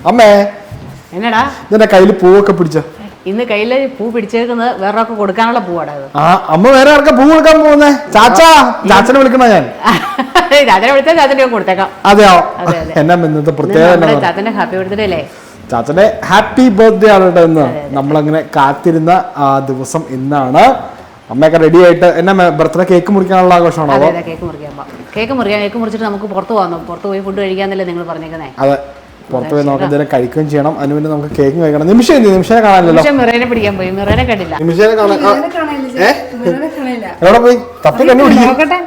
അമ്മേ എന്നടാ ഇതിന്റെ കയ്യിൽ പൂവൊക്കെ പിടിച്ച ഇന്ന് കയ്യില് പൂ പിടിച്ചേക്കുന്നത് വേറൊക്കെ കൊടുക്കാനുള്ള പൂവാടാ ഇത്. ആ അമ്മ വേറെ ആർക്കാ പൂ കൊടുക്കാൻ പോകുന്നേ? ചാച്ചനെ വിളിക്കണ ഞാൻ. ചാച്ചനെ വിളിച്ചാൽ ചാച്ചന്റെ കൊടുത്തേക്കാം. അതെയോ? എന്നാ ഇന്നത്തെ പ്രത്യേകത? ചാച്ചന്റെ ഹാപ്പി ബർത്ത്ഡേ അല്ലേ? ചാച്ചന്റെ ഹാപ്പി ബർത്ത്ഡേ ആണ് കേട്ടോ ഇന്ന്. നമ്മളങ്ങനെ കാത്തിരുന്ന ആ ദിവസം ഇന്നാണ്. അമ്മയൊക്കെ റെഡി ആയിട്ട് എന്നാ ബർത്ത്ഡേ കേക്ക് മുറിക്കാനുള്ള ആഘോഷമാണോ? കേക്ക് മുറിച്ചിട്ട് നമുക്ക് പുറത്ത് പോകാം. പുറത്ത് പോയി ഫുഡ് കഴിക്കാന്നല്ലേ നിങ്ങൾ പറഞ്ഞേക്കുന്നേ? അതെ, പുറത്ത് പോയി നമുക്ക് എന്തെങ്കിലും കഴിക്കുകയും ചെയ്യണം. അതിന് വേണ്ടി നമുക്ക് കേക്ക് കഴിക്കണം. നിമിഷനെ കാണാനല്ലോ. മിറേനെ പിടിക്കാൻ പോയി. മിറേനെ കണ്ടില്ല. നിമിഷനെ കാണാൻ എവിടെ പോയി? തപ്പി കണ്ടു പിടിക്കും.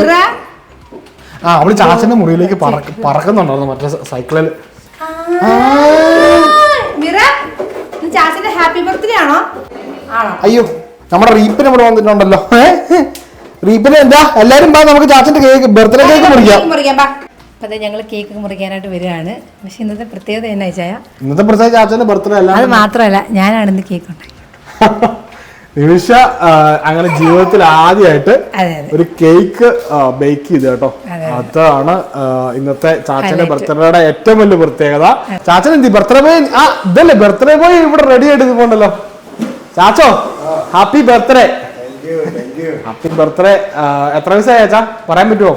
ആ അവള് ചാച്ചന്റെ മുറിയിലേക്ക് പറക്കുന്നുണ്ടായിരുന്നു മറ്റേ സൈക്കിളിൽ. അയ്യോ, നമ്മുടെ റീപ്പിന് ഇവിടെ വന്നിട്ടുണ്ടല്ലോ. റീപ്പിന് എന്താ എല്ലാരും നമുക്ക് ചാച്ചന്റെ കേക്ക് ബർത്ത്ഡേ കേക്ക് മുറിക്കാം. അതെ, ഞങ്ങൾ കേക്ക് മുറിക്കാനായിട്ട് വരികയാണ്. പക്ഷെ ഇന്നത്തെ പ്രത്യേകത എന്നാ വെച്ചാൽ ഇന്നത്തെ പ്രത്യേക ചാച്ചന്റെ ബർത്ത്ഡേ അല്ല. അത് മാത്രമല്ല, ഞാനാണ് ഇന്ന് കേക്ക് ഉണ്ടാക്കി. നിമിഷ അങ്ങനെ ജീവിതത്തിൽ ആദ്യമായിട്ട് ഒരു കേക്ക് ബേക്ക് ചെയ്ത് കേട്ടോ. അതാണ് ഇന്നത്തെ ചാച്ചന്റെ ബർത്ത്ഡേയുടെ ഏറ്റവും വലിയ പ്രത്യേകത. ചാച്ചൻ എന്തി ബർത്ത്ഡേ ബോയ് ഇതല്ലേ ബർത്ത്ഡേ ബോയ് ഇവിടെ റെഡി ആയിട്ട് പോണ്ടല്ലോ. ചാച്ചോ ഹാപ്പി ബർത്ത്ഡേ. Happy birthday. എത്ര വയസ്സായ ചാച്ചാ പറയാൻ പറ്റുമോ?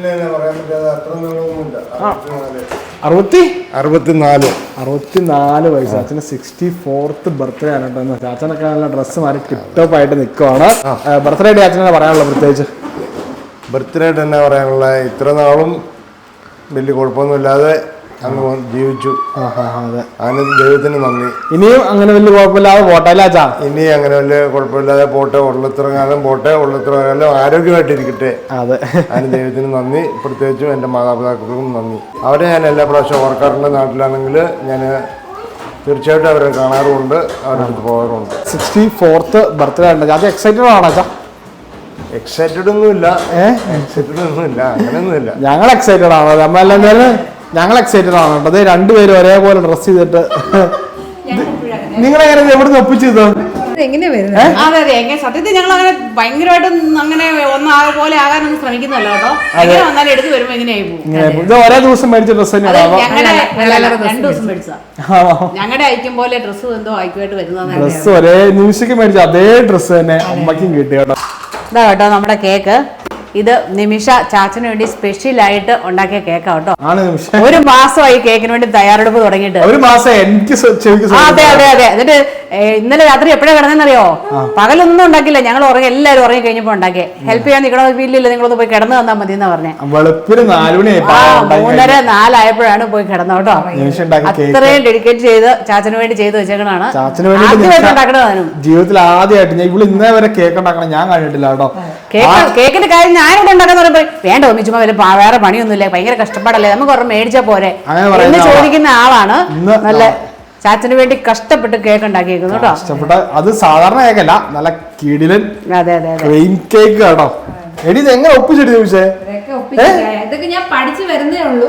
64 വയസ്സ്. അച്ഛന് 64th ബർത്ത്ഡേ ആണ് കേട്ടോ. ചാച്ചനൊക്കെ നല്ല ഡ്രസ്സ് മാറി ടിപ്ടോപ്പ് ആയിട്ട് നിൽക്കുവാണ്. ബർത്ത്ഡേ ഡേ അച്ഛനെ പറയാനുള്ള പ്രത്യേകിച്ച് ബർത്ത്ഡേ തന്നെ പറയാനുള്ള ഇത്ര നാളും വലിയ കുഴപ്പമൊന്നുമില്ലാതെ അങ്ങ് ജീവിച്ചു. അതിന് ദൈവത്തിന് നന്ദി. ഇനിയും അങ്ങനെ വലിയ കുഴപ്പമില്ലാതെ പോട്ടെ അല്ലേ അച്ഛാ? ഇനി അങ്ങനെ വലിയ കുഴപ്പമില്ലാതെ പോട്ടെ. ഉള്ളത്രകാലം പോട്ടെ. ഉള്ളത്രകാലം ആരോഗ്യമായിട്ടിരിക്കട്ടെ. അതെ, അതിന് ദൈവത്തിന് നന്ദി. പ്രത്യേകിച്ചും എൻ്റെ മാതാപിതാക്കൾക്കും നന്ദി. അവരെ ഞാൻ എല്ലാ പ്രാവശ്യം ഓർക്കാറുണ്ട്. നാട്ടിലാണെങ്കിൽ ഞാൻ തീർച്ചയായിട്ടും അവരെ കാണാറുമുണ്ട്, അവരുടെ അടുത്ത് പോകാറുമുണ്ട്. 64th ബർത്ത്ഡേ ഉണ്ട്. അത് എക്സൈറ്റഡ് ആണോ അച്ഛാ? എക്സൈറ്റഡ് ഒന്നുമില്ല. അങ്ങനെയൊന്നുമില്ല. ഞങ്ങൾ എക്സൈറ്റഡ് ആണോ? നമ്മളെല്ലാം ഞങ്ങൾ എക്സൈറ്റഡ് ആണ് കേട്ടോ. രണ്ടുപേരും ഒരേപോലെ ഡ്രസ് ചെയ്തിട്ട് നിങ്ങളെങ്ങനെ എവിടുന്ന് ഒപ്പിച്ചത്? സത്യത്തിൽ ഞങ്ങൾ അങ്ങനെ ഭയങ്കരമായിട്ടും അങ്ങനെ പോലെ ആകാനൊന്നും ശ്രമിക്കുന്നല്ലോ കേട്ടോ. എങ്ങനെ വന്നാലും എടുത്ത് വരുമ്പോ എങ്ങനെയായി പോകും. ഒരേ ദിവസം മേടിച്ച ഡ്രസ് തന്നെയാണ്. 2 ദിവസം മേടിച്ചാ ഞങ്ങളുടെ ഐക്യം പോലെ ഡ്രസ്സും എന്തോ ഐക്യമായിട്ട് വരുന്ന ഡ്രസ് ഒരേ നിമിഷക്ക് മേടിച്ച അതേ ഡ്രസ് തന്നെ അമ്മയ്ക്കും കിട്ടി കേട്ടോ. ഇതാ കേട്ടോ നമ്മുടെ കേക്ക്. ഇത് നിമിഷ ചാച്ചന് വേണ്ടി സ്പെഷ്യൽ ആയിട്ട് ഉണ്ടാക്കിയ കേക്കാ കേട്ടോ. 1 മാസമായി കേക്കിന് വേണ്ടി തയ്യാറെടുപ്പ് തുടങ്ങിയിട്ട്. 1 മാസം എനിക്ക്. അതെ. എന്നിട്ട് ഇന്നലെ രാത്രി എപ്പോഴാണ് കിടന്നെന്നറിയോ? പകലൊന്നും ഉണ്ടാക്കില്ല. ഞങ്ങൾ എല്ലാവരും ഉറങ്ങി കഴിഞ്ഞപ്പോ ഉണ്ടാക്കിയേ. ഹെൽപ്പ് ചെയ്യാൻ നിൽക്കണോ? വീട്ടിലില്ല, നിങ്ങളൊന്ന് പോയി കിടന്നു തന്നാ മതി എന്നാ പറഞ്ഞേ. 3:30-4 ആയപ്പോഴാണ് പോയി കിടന്നു കേട്ടോ. അത്രയും ഡെഡിക്കേറ്റ് ചെയ്ത് ചാച്ചന് വേണ്ടി ചെയ്ത് വെച്ചേക്കണാണ്. ജീവിതത്തിൽ ആദ്യമായിട്ട് ഞാൻ ഇവിടെ ഇന്നേ വരെ കേക്ക് ഉണ്ടാക്കണം ഞാൻ കണ്ടിട്ടില്ല കേട്ടോ. കേക്കിന്റെ കാര്യം ഞാനിവിടെ ഉണ്ടാക്കാന്ന് പറയുമ്പോ വേണ്ട ഒന്നി ചുമ്മാ വേറെ പണിയൊന്നുമില്ല, ഭയങ്കര കഷ്ടപ്പാടല്ലേ, നമുക്ക് ഒരെണ്ണം മേടിച്ചാ പോരെ എന്ന് ചോദിക്കുന്ന ആളാണ്. നല്ല ചാച്ചന് വേണ്ടി കഷ്ടപ്പെട്ട് കേക്ക് ഉണ്ടാക്കിയേക്കുന്നു കേട്ടോ. അത് സാധാരണ കേക്കല്ല, നല്ല കിടിലൻ ക്രീം കേക്ക് കേട്ടോ. എടി ഇത് എങ്ങനെ ഒപ്പിച്ചെടി ചോദിച്ചേ? ഇതൊക്കെ ഞാൻ പഠിച്ചു വരുന്നേ ഉള്ളൂ.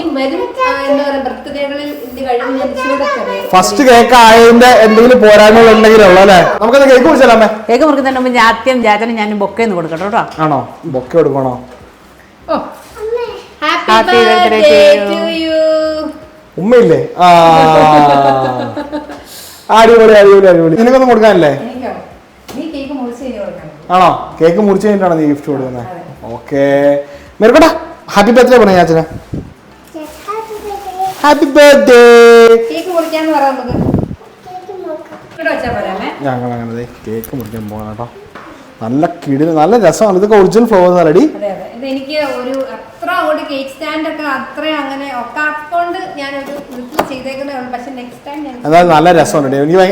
ഫസ്റ്റ് കേക്ക് ആയതിന്റെ എന്തെങ്കിലും പോരായ്മകൾ ഉണ്ടെങ്കിലുള്ളൂ അല്ലേ? നമുക്കത് കേക്ക് മുറിച്ചാലേ? കേക്ക് മുറിക്കുന്നതിന് മുമ്പ് ആദ്യം ചാച്ചന് ഞാൻ ബൊക്കെ ഒന്ന് കൊടുക്കട്ടോ കേട്ടോ. ആണോ? ബൊക്കെ കൊടുക്കണോ? Happy birthday to you. ഉമ്മയില്ലേ? അടിപൊളി അടിപൊളി അടിപൊളി. നിനക്കൊന്നും കൊടുക്കാനല്ലേ? ആണോ? കേക്ക് മുറിച്ച് കഴിഞ്ഞിട്ടാണ് നീ ഗിഫ്റ്റ് കൊടുക്കുന്നത്? ഓക്കെ, മേർക്കോട്ടാ ഹാപ്പി ബർത്ത്ഡേ പറഞ്ഞ ചാച്ചന്. Happy birthday. ഞങ്ങൾ അങ്ങനെ കേക്ക് മുറിക്കാൻ പോകണം കേട്ടോ. നല്ല കിടില് നല്ല രസമാണ്. ഇതൊക്കെ ഒറിജിനൽ ഫ്ലവർ റെഡി. എനിക്ക് ഒരു അത്ര അങ്ങോട്ട് കേക്ക് സ്റ്റാൻഡ് ഒക്കെ അത്ര അങ്ങനെ ഒക്കാത്തോണ്ട് ഞാൻ ഒരു വീട്ടിൽ ചെയ്തേക്കുന്നേ ഉള്ളൂ. പക്ഷെ നെക്സ്റ്റ് ടൈം അതായത് നല്ല രസമുണ്ട്. എനിക്ക്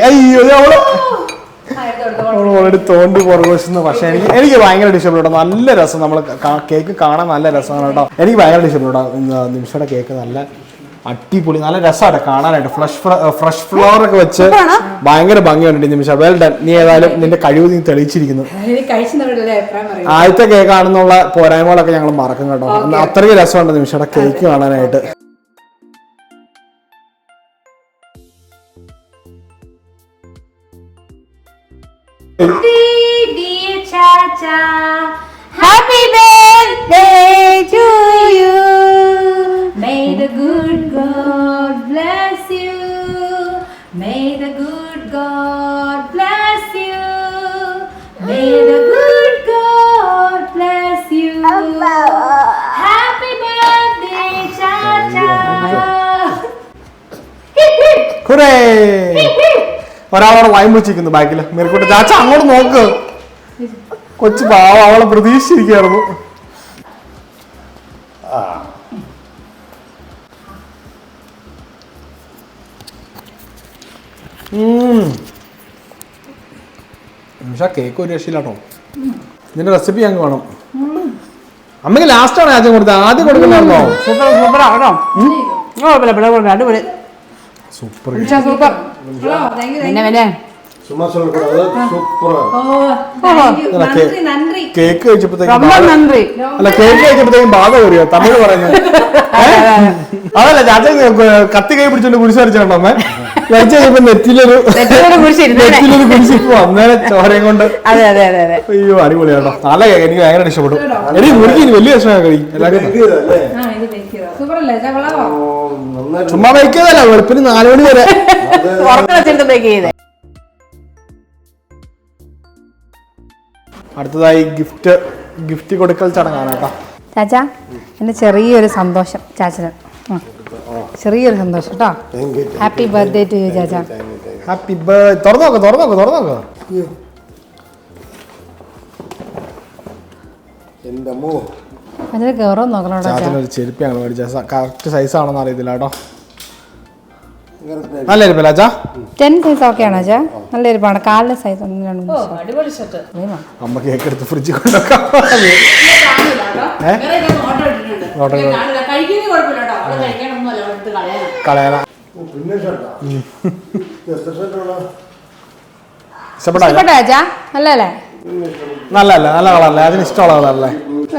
ഓൾറെഡി തോണ്ടി പുറകുവശന്ന്. പക്ഷെ എനിക്ക് ഭയങ്കര ഇഷ്ടപ്പെട്ടു. നല്ല രസം. നമ്മൾ കേക്ക് കാണാൻ നല്ല രസമാണ് കേട്ടോ. എനിക്ക് ഭയങ്കര ഇഷ്ടപ്പെട്ടു. നിമിഷയുടെ കേക്ക് നല്ല അടിപൊളി, നല്ല രസമാണ് കാണാനായിട്ട്. ഫ്രഷ് ഫ്ലവർ ഒക്കെ വെച്ച് ഭയങ്കര ഭംഗിയുണ്ട്. Nimisha well done. നീ ഏതായാലും നിന്റെ കഴിവ് നീ തെളിയിച്ചിരിക്കുന്നു. ആദ്യത്തെ കേക്ക് ആണെന്നുള്ള പോരായ്മകളൊക്കെ ഞങ്ങൾ മറക്കും കേട്ടോ. അത്രയ്ക്ക് രസമുണ്ട് നിമിഷയുടെ കേക്ക് കാണാനായിട്ട്. Dear Chacha, happy birthday to you. May the good God bless you. May the good God bless you. May the good God bless you. Happy birthday, Chacha. Hurray! ഒരാളോട് വായും വെച്ചിരിക്കുന്നു ബാക്കില് മേൽക്കൂട്ട്. ചാച്ച അങ്ങോട്ട് നോക്ക്. കൊച്ചു പാവ അവളെ പ്രതീക്ഷിച്ചിരിക്കുകയായിരുന്നു. നിമിഷ കേക്ക് ഒരു രക്ഷയില്ലാട്ടോ. ഇതിന്റെ റെസിപ്പി ഞങ്ങൾക്ക് വേണം. അമ്മക്ക് ലാസ്റ്റ് ആണ് ആദ്യം കൊടുത്തത്. ആദ്യം കൊടുക്കണമായിരുന്നോ? സൂപ്പർ ആണോ? അടിപൊളി സൂപ്പർ. സൂപ്പർ. Thank you. പിന്നെ சும்மா சொல்லக்கூடாது சூப்பரா നന്ദി. കേക്ക് കഴിച്ചപ്പോഴത്തേക്കും ரொம்ப നന്ദി. അല്ല കേക്ക് കഴിച്ചപ്പോഴത്തേക്കും ബാധ കയറിയോ തമിഴ് പറയുന്നത്? അതല്ല ചാച്ച കത്തി കൈ പിടിച്ചോണ്ട് കുരിശ് വരച്ചോണ്ടോ അമ്മ കഴിച്ചു കഴിഞ്ഞപ്പോ നെറ്റിലൊരു കുരിശിപ്പോ അന്നേരം ചോരയും കൊണ്ട്. അതെ അതെ അതെ അതെ. അയ്യോ അടിപൊളിയാട്ടോ. നല്ല കേക്ക് എനിക്ക് ഭയങ്കര ഇഷ്ടപ്പെട്ടു. എനിക്ക് മുറിക്ക് വലിയ ഇഷ്ടമാണ് കഴി എല്ലാവരും. ചുമ്മാ വയ്ക്കുന്നതല്ല വെളുപ്പിന് 4 മണി വരെ ഉറക്കം വെച്ചിട്ട് ബേക്ക് ചെയ്തേ. അടുത്തതായി ഗിഫ്റ്റ് കൊടുക്കൽ ചടങ്ങാണ് കേട്ടോ. ചാച്ച എന്റെ ചെറിയൊരു സന്തോഷം ചാച്ചന്. ചെറിയൊരു സന്തോഷം കേട്ടോ. ഹാപ്പി ബർത്ത്ഡേ ടു യു ചാച്ച. Happy birthday. തുറന്നോക്ക്. എന്റെ അമ്മോ അതിന് കയറോ നോക്കണോ ചാച്ചനൊരു ചെരുപ്പിയാണ് മേടിച്ചത്. കറക്റ്റ് സൈസ് ആണെന്ന് അറിയത്തില്ല കേട്ടോ. നല്ല ഇരിപ്പല്ല ചാ. 10 സൈസ് ഓക്കെ ആണോ ചാ? നല്ല ഇരിപ്പാണ്. കാലിന്റെ സൈസ് അടിപൊളി സെറ്റ്. അമ്മ കേക്ക് എടുത്ത് ഫ്രിഡ്ജിൽ കൊണ്ടുവെക്കാം. കളയാന ഇഷ്ടപ്പെട്ടോ ചാ? നല്ലല്ലേ? നല്ല കളറല്ലേ? അതിന് ഇഷ്ടമുള്ള കളറല്ലേ?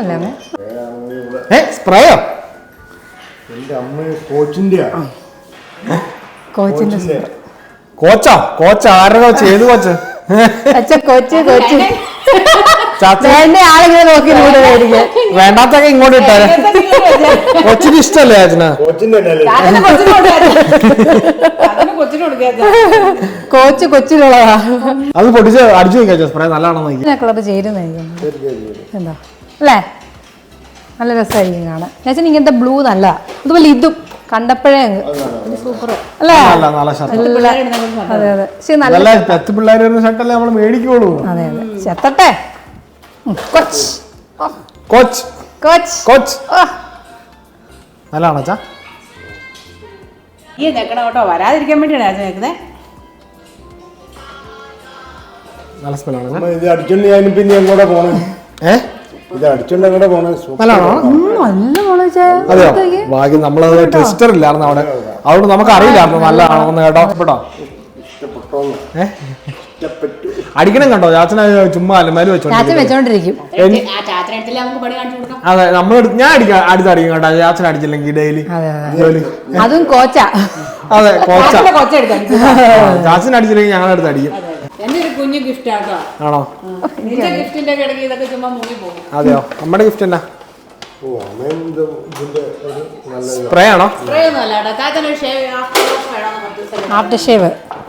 സ്പ്രേയോ? എന്റെ അമ്മ കോച്ചിന്റെ കോച്ച് ആരുടെ കോച്ച്? ഏത് കോച്ച്? ആളിങ്ങനെ നോക്കി വേണ്ടാത്തൊക്കെ ഇങ്ങോട്ട് ഇട്ടാരെ. കൊച്ചിന് ഇഷ്ടല്ലേ ചാച്ചന? കോച്ച് കൊച്ചിലുള്ളതാ. അത് പൊട്ടിച്ച് അടിച്ചു നോക്കിയാ സ്പ്രേ നല്ലതാണോ? കളർ ചേരുന്നായിരിക്കും എന്താ അല്ലേ? നല്ല രസമായിരിക്കും കാണാൻ. ഞാൻ ഇങ്ങനത്തെ ബ്ലൂ നല്ല. അതുപോലെ ഇതും കണ്ടപ്പോഴേ സൂപ്പർ അല്ലേ? അതെ അതെ. പക്ഷെ നല്ല പത്ത് പിള്ളേർ ഷർട്ടല്ലേ നമ്മൾ മേടിക്കുള്ളൂ. അതെ അതെ. ചെത്തട്ടെ. കോച്ച് നല്ലതാണോ ചാ? ഈ നിൽക്കണം കേട്ടോ. വരാതിരിക്കാൻ വേണ്ടിയാണ് ഞാൻ നിൽക്കുന്നത്. നല്ല സ്മെല്ലാണ്. ഇത് അടിച്ചോണ്ട് ഞാൻ പിന്നെ എങ്ങോട്ടാ പോണേ? ഇത് അടിച്ചോണ്ട് എങ്ങോട്ടാ പോണേ? നല്ലതാണോ? അതെയോ? ഭാഗ്യം നമ്മളത് ടെസ്റ്റർ ഇല്ലായിരുന്നു അവിടെ. അതുകൊണ്ട് നമുക്ക് അറിയില്ലായിരുന്നു നല്ലതാണോന്ന് കേട്ടോ. കേട്ടോ അടിക്കണം കേട്ടോ. ചാച്ചന ചുമ്മാ അലമാരി വെച്ചോണ്ടിരിക്കും. അതെ ഞാൻ അടുത്തടിക്കും കേട്ടോ. ചാച്ചന അടിച്ചില്ലെങ്കിൽ ഡെയിലി അതും കോച്ചാ. അതെ ചാച്ചന അടിച്ചില്ലെങ്കിൽ ഞങ്ങളുടെ അടുത്ത് അടിക്കും. കുഞ്ഞു ഗിഫ്റ്റ് ആണോ? ഗിഫ്റ്റിന്റെ കിടക്കി ഇതൊക്കെ ചുമ്മാ മുങ്ങി പോകും. അതെയോ? നമ്മുടെ ഗിഫ്റ്റ് എന്നാ? സ്പ്രേ ആണോ? After shave.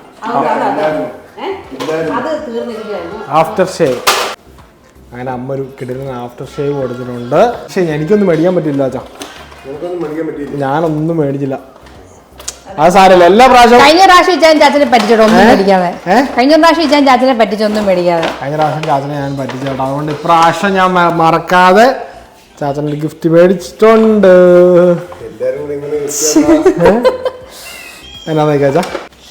After shave. അങ്ങനെ അമ്മ ഒരു കിടന്ന ആഫ്റ്റർ ഷേവ് കൊടുത്തിട്ടുണ്ട്. പക്ഷെ എനിക്കൊന്നും മേടിക്കാൻ പറ്റില്ല ചാ. ഞാനൊന്നും മേടിച്ചില്ല. അത് സാരമില്ല. എല്ലാ പ്രാവശ്യവും കഴിഞ്ഞ പ്രാവശ്യം ഇച്ചാൻ ചാച്ചനെ പറ്റിച്ചോട്ടോ ഒന്നും മേടിക്കാതെ. കഴിഞ്ഞ പ്രാവശ്യം ഇച്ചാൻ ചാച്ചനെ പറ്റിച്ചൊന്നും മേടിക്കാതെ. കഴിഞ്ഞ പ്രാവശ്യം ചാച്ചനെ ഞാൻ പറ്റിച്ചോട്ടോ. അതുകൊണ്ട് ഇപ്രാവശ്യം ഞാൻ മറക്കാതെ ചാച്ചൻ്റെ ഗിഫ്റ്റ് മേടിച്ചിട്ടുണ്ട്. എന്നാ ചാച്ചാ?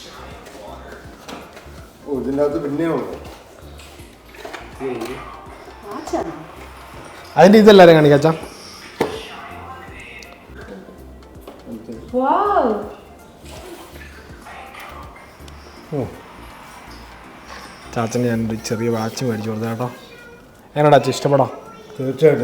അതിന്റെ ഇതെല്ലാരും കാണിക്കാച്ചാ. ചാച്ചന് ഞാനൊരു ചെറിയ വാച്ച് മേടിച്ചു കൊടുത്ത കേട്ടോ. എങ്ങനെയാ ചാച്ച ഇഷ്ടപ്പെടാം? തീർച്ചയായിട്ടും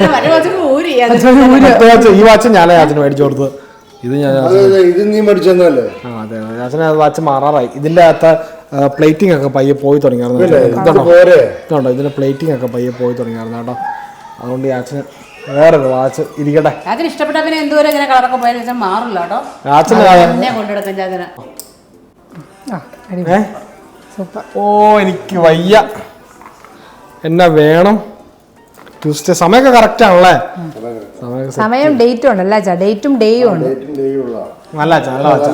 ഈ വാച്ച് ഞാനേ ചാച്ചന് മേടിച്ചു കൊടുത്തത്. ഇത് ഞാൻ നീ മേടിച്ചല്ലേ? അതെ ചാച്ചന് വാച്ച് മാറാറായി. ഇതിന്റെ അകത്ത് പ്ലേറ്റിംഗ് ഒക്കെ പയ്യെ പോയി തുടങ്ങിയായിരുന്നു. ഇതുണ്ടോ ഇതിന്റെ പ്ലേറ്റിംഗ് ഒക്കെ പയ്യെ പോയി തുടങ്ങിയായിരുന്നു കേട്ടോ. അതുകൊണ്ട് ചാച്ചന് വേറൊരു വാച്ച് ഇരിക്കട്ടെ. ചാച്ചന് ഇഷ്ടപ്പെട്ട പിന്നെ എന്തോരം ഇങ്ങനെ കളറൊക്കെ പോയാലും മാറില്ല കേട്ടോ. ചാച്ചന് കൊണ്ടെടുക്കും ചാച്ചന്. സൂപ്പർ. ഓ എനിക്ക് വയ്യ, എന്നാ വേണം. ട്യൂസ്ഡേ സമയമൊക്കെ കറക്റ്റ് ആണല്ലേ? സമയം ഡേറ്റും ഉണ്ടല്ലോ അച്ഛാ, ഡേറ്റും ഡേയും ഉണ്ട്. നല്ല അച്ഛാ,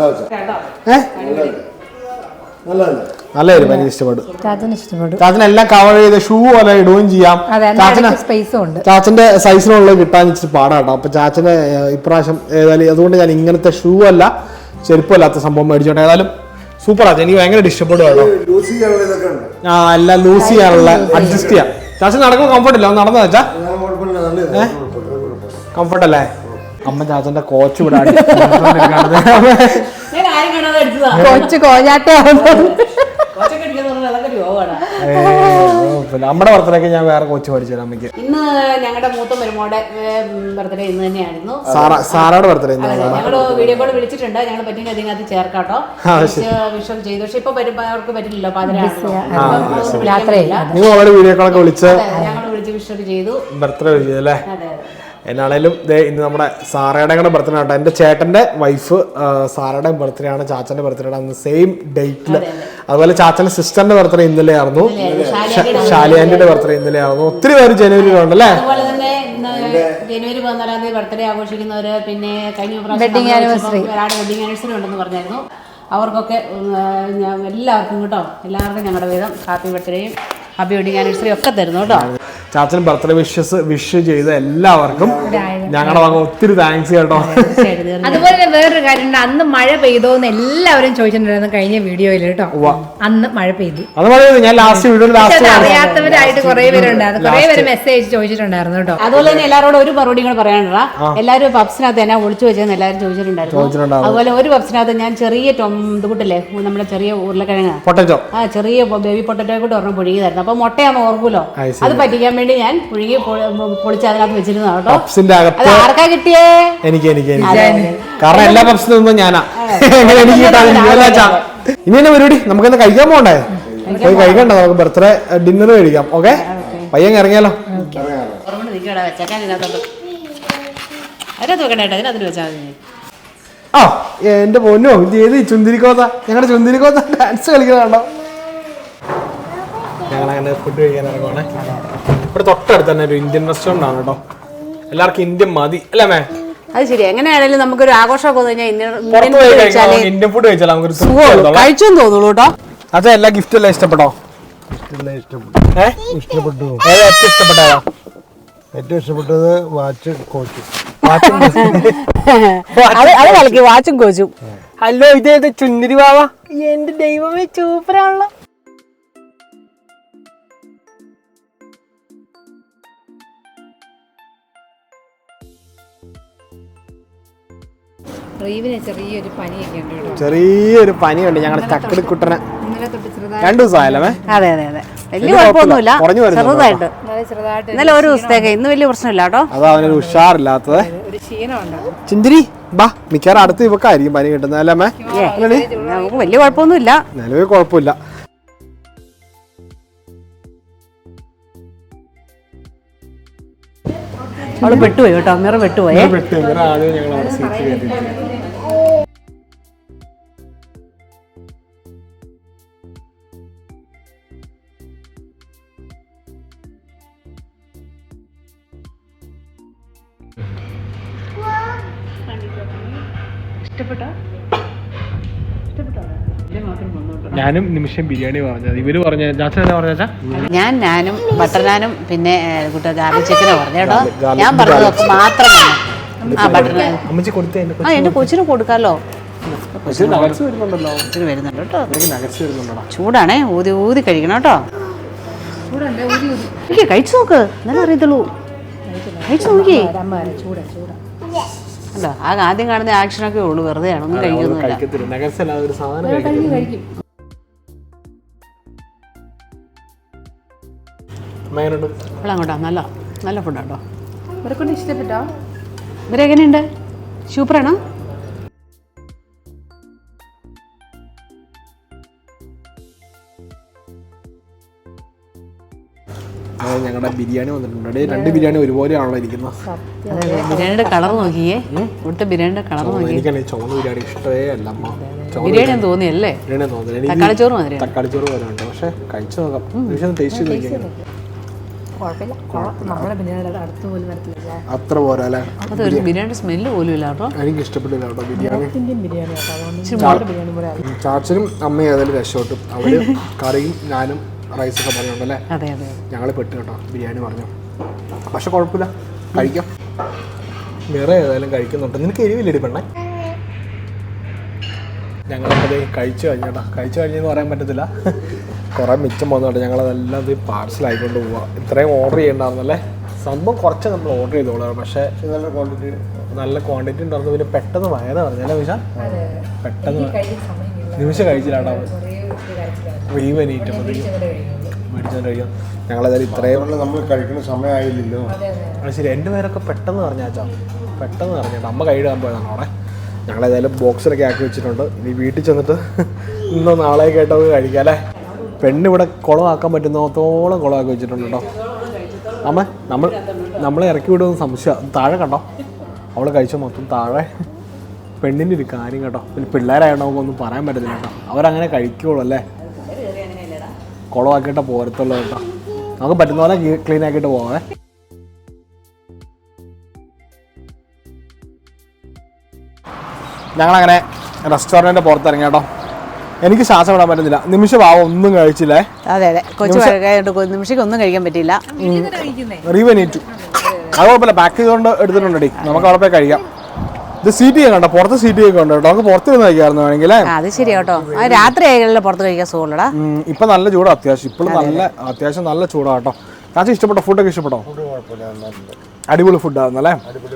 നല്ലൊരു എനിക്ക് ഇഷ്ടപ്പെട്ടു. ചാച്ചന് എല്ലാം കവർ ചെയ്ത് ഷൂ പോലെ ഇടുകയും ചെയ്യാം. സ്പേസും ഉണ്ട്. ചാച്ചന്റെ സൈസിനുള്ളത് കിട്ടാൻ ഇച്ചിരി പാടാട്ടോ. അപ്പൊ ചാച്ചന് ഇപ്രാവശ്യം ഏതായാലും അതുകൊണ്ട് ഞാൻ ഇങ്ങനത്തെ ഷൂ അല്ല ചെരുപ്പല്ലാത്ത സംഭവം മേടിച്ചോട്ടെ. ഏതായാലും സൂപ്പർ ആച്ച, എനിക്ക് ഭയങ്കര ഇഷ്ടപ്പെടും കേട്ടോ. എല്ലാം ലൂസ് ചെയ്യാനുള്ള അഡ്ജസ്റ്റ് ചെയ്യാം. ചാച്ചൻ നടക്കുമ്പോൾ കംഫർട്ട് ഇല്ല, നടന്നു വെച്ചാ കംഫർട്ട് അല്ലേ? അമ്മ ചാച്ചന്റെ കോച്ച് വിടാൻ കൊച്ചു കോഞ്ഞാട്ടയാവുന്നു. നമ്മുടെ ബർത്ത്ഡേക്ക് ഞാൻ വേറെ കോച്ച് മേടിച്ചു തരാം അമ്മയ്ക്ക്. ഇന്ന് ഞങ്ങളുടെ മൂത്ത മരുമോടെ ബർത്ത്ഡേ ഇന്ന് തന്നെയായിരുന്നു. സാറയുടെ ബർത്ത്ഡേ ഞങ്ങള് വീഡിയോ കോൾ വിളിച്ചിട്ടുണ്ട്. ഞങ്ങൾ പറ്റുമെങ്കിൽ അതിനകത്ത് ചേർക്കാട്ടോ. വിഷം ചെയ്തു, പക്ഷെ ഇപ്പൊ അവർക്ക് പറ്റില്ലല്ലോ, നിങ്ങൾ ഓൾറെഡി വീഡിയോ കോളൊക്കെ വിളിച്ച് ഞങ്ങൾ വിളിച്ച് വിഷം ചെയ്തു, ബർത്ത്ഡേ വിളിച്ചതല്ലേ? എന്നാണേലും ഇന്ന് നമ്മുടെ സാറയുടെ കൂടെ ബർത്ത്ഡേ ആട്ടോ. എൻ്റെ ചേട്ടൻ്റെ വൈഫ് സാറയുടെ ബർത്ത്ഡേ ആണ്, ചാച്ചൻ്റെ ബർത്ത്ഡേ ആണ് അന്ന് സെയിം ഡേറ്റിൽ. അതുപോലെ ചാച്ചൻ്റെ സിസ്റ്ററിന്റെ ബർത്ത്ഡേ ഇന്നലെ ആയിരുന്നു, ഷാലിയാൻ്റെ ബർത്ത്ഡേ ഇന്നലെ ആയിരുന്നു. ഒത്തിരി പേര് ജനുവരിയിലുണ്ടല്ലേ? അതുപോലെ തന്നെ ജനുവരി 14 ബർത്ത്ഡേ ആഘോഷിക്കുന്നവര്, പിന്നെ കഴിഞ്ഞ വെഡിങ് ആനിവേഴ്സറി ഉണ്ടെന്ന് പറഞ്ഞായിരുന്നു. അവർക്കൊക്കെ എല്ലാവർക്കും കേട്ടോ, എല്ലാവർക്കും ഞങ്ങളുടെ വീതം ഹാപ്പി ബർത്ത്ഡേയും ഹാപ്പി വെഡിങ് ആനിവേഴ്സറി ഒക്കെ തരുന്നു കേട്ടോ. ചാച്ചൻ ബർത്ത്ഡേ വിഷ് ചെയ്ത എല്ലാവർക്കും ഞങ്ങളുടെ വക ഒത്തിരി താങ്ക്സ് കേട്ടോ. അതുപോലെ തന്നെ വേറൊരു കാര്യമുണ്ട്, അന്ന് മഴ പെയ്തോന്ന് എല്ലാവരും ചോദിച്ചിട്ടുണ്ടായിരുന്നു കഴിഞ്ഞ വീഡിയോയിൽ കേട്ടോ. അന്ന് മഴ പെയ്തു, ഞാൻ ലാസ്റ്റ് വീഡിയോ അറിയാത്തവരായിട്ട് കുറെ പേരുണ്ടായിരുന്നു, കുറെ പേര് മെസ്സേജ് ചോദിച്ചിട്ടുണ്ടായിരുന്നു കേട്ടോ. അതുപോലെ തന്നെ എല്ലാവരോടും ഒരു മറുപടി കൂടെ പറയാനുള്ള, എല്ലാവരും പപ്സിനകത്ത് എന്നെ ഒളിച്ചു വെച്ചെന്ന് എല്ലാവരും ചോദിച്ചിട്ടുണ്ടായിരുന്നു. അതുപോലെ ഒരു പപ്സിനകത്ത് ഞാൻ ചെറിയ ഇതുകൂട്ടില്ലേ, നമ്മുടെ ചെറിയ ഉരുളക്കിഴങ്ങ് പൊട്ടറ്റോ, ചെറിയ ബേബി പൊട്ടറ്റോ കൂടെ ഒരെണ്ണം പുഴുകിയതായിരുന്നു. അപ്പൊ മുട്ടയാന്ന് ഓർക്കൂലോ, അത് പറ്റിക്കാൻ വേണ്ടി ഞാൻ പുഴുകി പൊളിച്ച് അതിനകത്ത് വെച്ചിരുന്നു കേട്ടോ. അത് ആർക്കാ കിട്ടിയേ? എനിക്ക് കാരണം എല്ലാ പപ്സിനും ഞാനാ. ഇനി തന്നെ പരിപാടി, നമുക്കെന്ന് കഴിക്കാൻ പോകണ്ടേ? പോയി കഴിക്കണ്ട, നമുക്ക് ബർത്ത്ഡേ ഡിന്നർ കഴിക്കാം. ഓക്കെ, പയ്യൻ ഇറങ്ങിയാലോ? ആ എന്റെ പൊന്നോ, ഇത് ഏത് ചുന്തിരിക്കോത്ത? ഞങ്ങളുടെ ചുന്തിരിക്കോത്ത ഡാൻസ് കളിക്കുന്നതാണോ? ഞങ്ങളങ്ങനെ ഫുഡ് കഴിക്കാൻ ഇറങ്ങുവാണേ. ഇവിടെ തൊട്ടടുത്ത് തന്നെ ഒരു ഇന്ത്യൻ റെസ്റ്റോറൻ്റ് ആണ് കേട്ടോ. എല്ലാവർക്കും ഇന്ത്യൻ മതി അല്ലേ മേ? അത് ശരി. എങ്ങനെയാണെങ്കിലും നമുക്കൊരു ആഘോഷമൊക്കെ ഇന്ത്യൻ ഫുഡ് കഴിച്ചാൽ നമുക്കൊരു കഴിച്ചു തോന്നുള്ളൂ കേട്ടോ. അതെ, എല്ലാ ഗിഫ്റ്റും എല്ലാം ഇഷ്ടപ്പെട്ടോ? ഇഷ്ടപ്പെട്ടു. ഏറ്റവും ഇഷ്ടപ്പെട്ടതാ? ഏറ്റവും ഇഷ്ടപ്പെട്ടത് വാച്ച് കോച്ച്. അത് കളിക്കും, വാച്ചും കോച്ചും. ഹലോ, ഇതേത് ചുന്തിരി ബാവ? എന്റെ ദൈവമേ, സൂപ്പറാണല്ലോ. ചെറിയൊരു പനിയുണ്ട് ഞങ്ങളുടെ ചക്കടിക്കുട്ടനെ. 2 ദിവസമായല്ലേ? അതെ അതെ അതെ, വലിയ കുഴപ്പമൊന്നുമില്ല, ചെറുതായിട്ട്. ഇന്നലെ ഒരു ദിവസത്തേക്ക്, ഇന്ന് വലിയ പ്രശ്നമില്ല കേട്ടോ. അതാ അവനൊരു ഉഷാറില്ലാത്തത്. ചിന്തിരി ബാ, മിക്കവാറും അടുത്ത് ഇവക്കായിരിക്കും പനി കിട്ടുന്നത് അല്ലേ അമ്മേ? നമുക്ക് വലിയ കുഴപ്പമൊന്നുമില്ല, നിലവിൽ കുഴപ്പമില്ല. അവള് പെട്ടുപോയി കേട്ടോ, മിറ പെട്ടുപോയി. ഞാനും നിമിഷം ബിരിയാണി പറഞ്ഞത്, ഇവര് പറഞ്ഞ ഞാനും ബട്ടർ നാനും പിന്നെ ഗാർലിക് ചിക്കനോ പറഞ്ഞു കേട്ടോ. ഞാൻ പറഞ്ഞതൊക്കെ മാത്രമാണ്. അമ്മച്ചി കൊടുത്തേ, എന്റെ കൊച്ചിന് കൊടുക്കാലോ. വരുന്നുണ്ടല്ലോ, വരുന്നുണ്ട് കേട്ടോ. ചൂടാണേ, ഊതി ഊതി കഴിക്കണം കേട്ടോ. കഴിച്ചു നോക്ക്, എന്നാലും അറിയത്തുള്ളൂ. കഴിച്ചു നോക്കി. അല്ലോ, ആദ്യം കാണുന്ന ആക്ഷനൊക്കെ ഉള്ളൂ, വെറുതെ ആണ്, ഒന്നും കഴിക്കുന്നില്ല. അങ്ങോട്ടാ, നല്ല നല്ല ഫുഡാട്ടോ. ഇവരെക്കൊണ്ട് ഇഷ്ടപ്പെട്ടോ? ഇവരെങ്ങനെയുണ്ട്? സൂപ്പറാണോ? ഞങ്ങളുടെ ബിരിയാണി വന്നിട്ടുണ്ട്. 2 ബിരിയാണി ഒരുപോലെയാണല്ലോ ഇരിക്കുന്നത്. ബിരിയാണിയുടെ കളർ നോക്കിയേ, ഇവിടുത്തെ ബിരിയാണിയുടെ കളർ നോക്കിയേ. എനിക്കാണ് ചുവന്ന ബിരിയാണി ഇഷ്ടമേ അല്ല. ബിരിയാണി തോന്നിയല്ലേ? ബിരിയാണി തോന്നുന്നില്ല. തക്കാളിച്ചോറ് മാതിരി. തക്കാളിച്ചോറ് വരെ ഉണ്ട്. പക്ഷെ കഴിച്ചു നോക്കാം. നിമിഷം ടേസ്റ്റ് ചെയ്ത് നോക്കിയാൽ അത്ര പോരാ അല്ലേ? അതൊരു ബിരിയാണി സ്മെല്ല് പോലും ഇല്ല കേട്ടോ. എനിക്ക് ഇഷ്ടപ്പെട്ടില്ല കേട്ടോ ബിരിയാണി. ചാച്ചനും അമ്മയും ഏതായാലും രക്ഷപ്പെട്ടു. അവര് കറിയും ഞാനും റൈസൊക്കെ പറഞ്ഞോണ്ടല്ലേ. അതെ അതെ, ഞങ്ങൾ പെട്ടു കേട്ടോ ബിരിയാണി പറഞ്ഞു. പക്ഷെ കുഴപ്പമില്ല, കഴിക്കാം. വേറെ ഏതായാലും കഴിക്കുന്നുണ്ട്. നിനക്ക് എരിവില്ലടി പെണ്ണേ? ഞങ്ങളപ്പോൾ കഴിച്ചു കഴിഞ്ഞേട്ടാ. കഴിച്ചു കഴിഞ്ഞെന്ന് പറയാൻ പറ്റത്തില്ല, കുറേ മിച്ചം പോകുന്നുണ്ട്. ഞങ്ങളതെല്ലാം ഇത് പാർസലായിക്കൊണ്ട് പോവാം. ഇത്രയും ഓർഡർ ചെയ്യണ്ടായിരുന്നല്ലേ. സംഭവം കുറച്ച് നമ്മൾ ഓർഡർ ചെയ്തോളാം. പക്ഷേ നല്ല ക്വാണ്ടിറ്റി ഉണ്ടായിരുന്നു. പിന്നെ പെട്ടെന്ന് വയറ് പറഞ്ഞല്ലേ നിമിഷ? പെട്ടെന്ന് നിമിഷം കഴിച്ചില്ലാട്ടോ. റീവനീറ്റ് മേടിച്ചോണ്ട് കഴിയാം. ഞങ്ങളേതായാലും ഇത്രയും നമ്മൾ കഴിക്കുന്ന സമയമായില്ലല്ലോ. അത് ശരി. എൻ്റെ പേരൊക്കെ പെട്ടെന്ന് പറഞ്ഞാച്ചാ, പെട്ടെന്ന് പറഞ്ഞേട്ടാ. അമ്മ കൈയിടാൻ പോയതാണ് അവിടെ. ഞങ്ങളേതായാലും ബോക്സിലൊക്കെ ആക്കി വെച്ചിട്ടുണ്ട്. ഇനി വീട്ടിൽ ചെന്നിട്ട് ഇന്നോ നാളെയൊക്കെ ആയിട്ടൊക്കെ കഴിക്കാം അല്ലേ. പെണ്ണിവിടെ കുളമാക്കാൻ പറ്റുന്നത്തോളം കുളമാക്കി വെച്ചിട്ടുണ്ട് കേട്ടോ. അമ്മ നമ്മളെ ഇറക്കി വിടുമെന്ന് സംശയം. താഴെ കണ്ടോ, അവൾ കഴിച്ച മൊത്തം താഴെ. പെണ്ണിൻ്റെ ഒരു കാര്യം കേട്ടോ. പിന്നെ പിള്ളേരായിട്ട് നമുക്കൊന്നും പറയാൻ പറ്റത്തില്ല കേട്ടോ. അവരങ്ങനെ കഴിക്കുള്ളൂ അല്ലേ. കുളമാക്കിയിട്ട് പോരത്തുള്ളൂ കേട്ടോ. നമുക്ക് പറ്റുന്ന പോലെ ക്ലീൻ ആക്കിയിട്ട് പോവാം. ഞങ്ങളങ്ങനെ റെസ്റ്റോറൻറ്റിൻ്റെ പുറത്തിറങ്ങി കേട്ടോ. എനിക്ക് ശ്വാസം വിടാൻ പറ്റുന്നില്ല. നിമിഷം ഒന്നും കഴിച്ചില്ലേ. അതെ അതെ, കൊച്ചു നിമിഷം ഒന്നും കഴിക്കാൻ പറ്റിയില്ല. റീവനീറ്റു അത് കുഴപ്പമില്ല, പാക്ക് ചെയ്തുകൊണ്ട് എടുത്തിട്ടുണ്ടടി. നമുക്ക് അവിടെ പോയി കഴിക്കാം. ഇത് സീറ്റ് ചെയ്യാൻ കണ്ടോ, പുറത്ത് സീറ്റ് ഒക്കെ ഉണ്ട് കേട്ടോ. നമുക്ക് പുറത്ത് നിന്ന് കഴിക്കാമായിരുന്നു വേണമെങ്കിൽ. അത് ശരി കേട്ടോ. രാത്രി ആയാലും പുറത്ത് കഴിക്കാൻ സുഖമുള്ളടാ. ഇപ്പൊ നല്ല ചൂടാ അത്യാവശ്യം. ഇപ്പോഴും അത്യാവശ്യം നല്ല ചൂടാ കേട്ടോ. ചാച്ചി ഇഷ്ടപ്പെട്ടോ? ഫുഡൊക്കെ ഇഷ്ടപ്പെട്ടോ? അടിപൊളി ഫുഡായിരുന്നല്ലേ.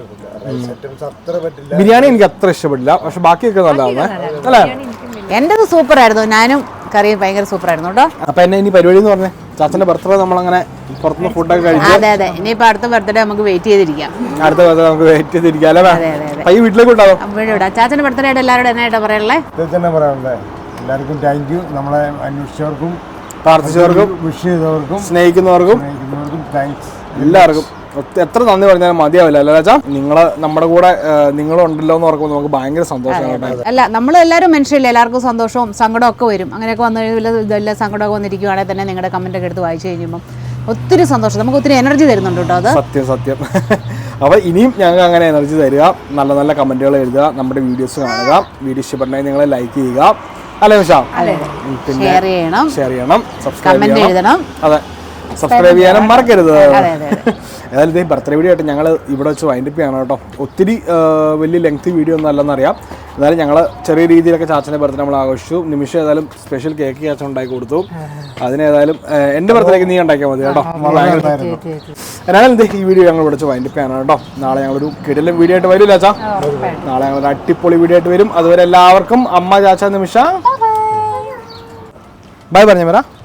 ബിരിയാണി എനിക്ക് അത്ര ഇഷ്ടപ്പെട്ടില്ല, പക്ഷെ ബാക്കിയൊക്കെ നല്ലതാണേ അല്ലേ. എന്റേത് സൂപ്പർ ആയിരുന്നു. ഞാനും കറിയും ഭയങ്കര സൂപ്പർ ആയിരുന്നു കേട്ടോ. അപ്പൊ എന്നെ ഇനി പരിപാടി എന്ന് പറഞ്ഞേ, ചാച്ചന്റെ ബർത്ത്ഡേ നമ്മളങ്ങനെ പുറത്തുനിന്ന് ഫുഡൊക്കെ കഴിച്ചു. അതെ അതെ, ഇനിയിപ്പോ അടുത്ത ബർത്ത്ഡേ നമുക്ക് വെയിറ്റ് ചെയ്തിരിക്കാം. അടുത്ത ബർത്ത്ഡേ നമുക്ക് വെയിറ്റ് ചെയ്തിരിക്കാം അല്ലേ. പയ്യ വീട്ടിലേക്ക് ഉണ്ടാവും. ചാച്ചന്റെ ബർത്ത്ഡേ ആയിട്ട് എല്ലാവരോടും എന്നായിട്ടാ പറയാനുള്ളേ? എല്ലാവർക്കും താങ്ക് യു. നമ്മളെ അന്വേഷിച്ചവർക്കും പ്രാർത്ഥിച്ചവർക്കും വിഷ് ചെയ്തവർക്കും സ്നേഹിക്കുന്നവർക്കും താങ്ക്സ്. എല്ലാവർക്കും എത്ര നന്ദി പറഞ്ഞാലും മതിയാവില്ല അല്ലേ ചാച്ചാ. നമ്മുടെ കൂടെ നിങ്ങളുണ്ടല്ലോ എന്ന് ഓർക്കുമ്പോൾ നമുക്ക് ഭയങ്കര സന്തോഷമാണ്. അല്ല, നമ്മൾ എല്ലാവരും മനുഷ്യരില്ല, എല്ലാവർക്കും സന്തോഷവും സങ്കടവും ഒക്കെ വരും. അങ്ങനെയൊക്കെ വന്നു ഇതെല്ലാം സങ്കടമൊക്കെ വന്നിരിക്കുവാണെങ്കിൽ തന്നെ നിങ്ങളുടെ കമന്റ് ഒക്കെ എടുത്ത് വായിച്ചു കഴിയുമ്പോൾ ഒത്തിരി സന്തോഷം, നമുക്ക് ഒത്തിരി എനർജി തരുന്നുണ്ട് കേട്ടോ. അത് സത്യം. അപ്പോൾ ഇനിയും ഞങ്ങൾക്ക് അങ്ങനെ എനർജി തരിക. നല്ല നല്ല കമന്റുകൾ എഴുതുക, നമ്മുടെ വീഡിയോസ് കാണുക. വീഡിയോ ഇഷ്ടപ്പെട്ടെങ്കിൽ നിങ്ങൾ ലൈക്ക് ചെയ്യുക അല്ലേ നിഷ? പിന്നെ ഷെയർ ചെയ്യണം, സബ്സ്ക്രൈബ് ചെയ്യണം. അതെ, സബ്സ്ക്രൈബ് ചെയ്യാനും മറക്കരുത്. ഏതായാലും ഇതേ ബർത്ത്ഡേ വീഡിയോ ആയിട്ട് ഞങ്ങൾ ഇവിടെ വെച്ച് വൈൻഡപ്പ് ചെയ്യണം കേട്ടോ. ഒത്തിരി വലിയ ലെങ്തി വീഡിയോ ഒന്നും അല്ലെന്നറിയാം. എന്നാലും ഞങ്ങൾ ചെറിയ രീതിയിലൊക്കെ ചാച്ചൻ്റെ ബർത്ത്ഡേ നമ്മൾ ആഘോഷിച്ചു. നിമിഷം ഏതായാലും സ്പെഷ്യൽ കേക്ക് ചാച്ചൻ ഉണ്ടാക്കി കൊടുത്തു. അതിനേതായാലും എൻ്റെ ബർത്ത്ഡേക്ക് നീ ഉണ്ടാക്കിയാൽ മതി കേട്ടോ. എന്നാലും ഇതേ ഈ വീഡിയോ ഞങ്ങൾ ഇവിടെ വെച്ച് വൈൻഡപ്പ് ചെയ്യണം കേട്ടോ. നാളെ ഞങ്ങളൊരു കിടിലൻ വീഡിയോ ആയിട്ട് വരില്ല ചാച്ചാ. നാളെ ഞങ്ങളൊരു അടിപൊളി വീഡിയോ ആയിട്ട് വരും. അതുവരെ എല്ലാവർക്കും അമ്മ, ചാച്ച, നിമിഷ ബൈ പറഞ്ഞ വരാം.